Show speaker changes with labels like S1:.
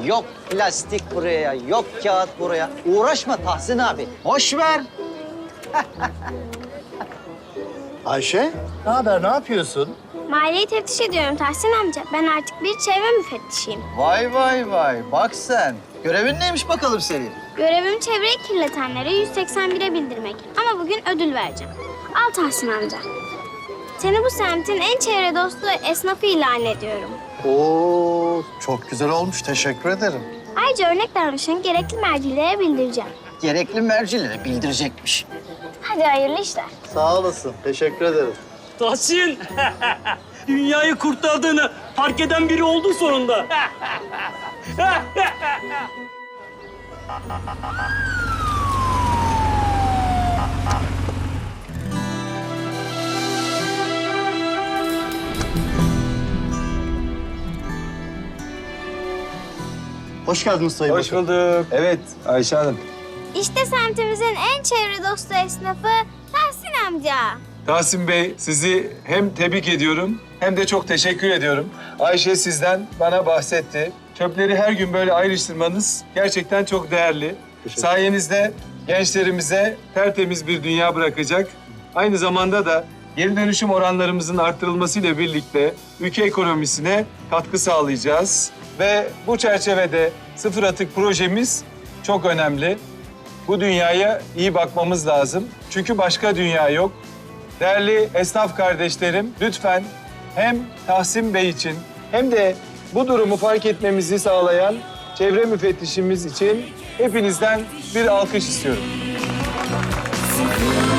S1: yok plastik buraya, yok kağıt buraya. Uğraşma Tahsin abi, boş ver.
S2: Ayşe, ne haber, ne yapıyorsun?
S3: Mahalleyi teftiş ediyorum Tahsin amca. Ben artık bir çevre müfettişiyim.
S1: Vay vay vay, bak sen. Görevin neymiş bakalım senin?
S3: Görevim çevreyi kirletenlere 181'e bildirmek. Ama bugün ödül vereceğim. Al Tahsin amca. Seni bu semtin en çevre dostu esnafı ilan ediyorum.
S2: Oo, çok güzel olmuş, teşekkür ederim.
S3: Ayrıca örnek davranışını gerekli mercilere bildireceğim.
S1: Gerekli mercilere bildirecekmiş.
S3: Hadi hayırlı işler.
S2: Sağ olasın, teşekkür ederim.
S4: Tahsin, dünyayı kurtardığını fark eden biri oldu sonunda.
S2: Hoş geldiniz Sayın
S5: Hoş
S2: Bakan.
S5: bulduk. Evet Ayşe Hanım.
S3: İşte semtimizin en çevre dostu esnafı Tahsin amca.
S5: Tahsin Bey sizi hem tebrik ediyorum hem de çok teşekkür ediyorum. Ayşe sizden bana bahsetti. Çöpleri her gün böyle ayrıştırmanız gerçekten çok değerli. Sayenizde gençlerimize tertemiz bir dünya bırakacak. Aynı zamanda da geri dönüşüm oranlarımızın arttırılmasıyla birlikte ülke ekonomisine katkı sağlayacağız. Ve bu çerçevede sıfır atık projemiz çok önemli. Bu dünyaya iyi bakmamız lazım. Çünkü başka dünya yok. Değerli esnaf kardeşlerim, lütfen hem Tahsin Bey için hem de bu durumu fark etmemizi sağlayan çevre müfettişimiz için hepinizden bir alkış istiyorum.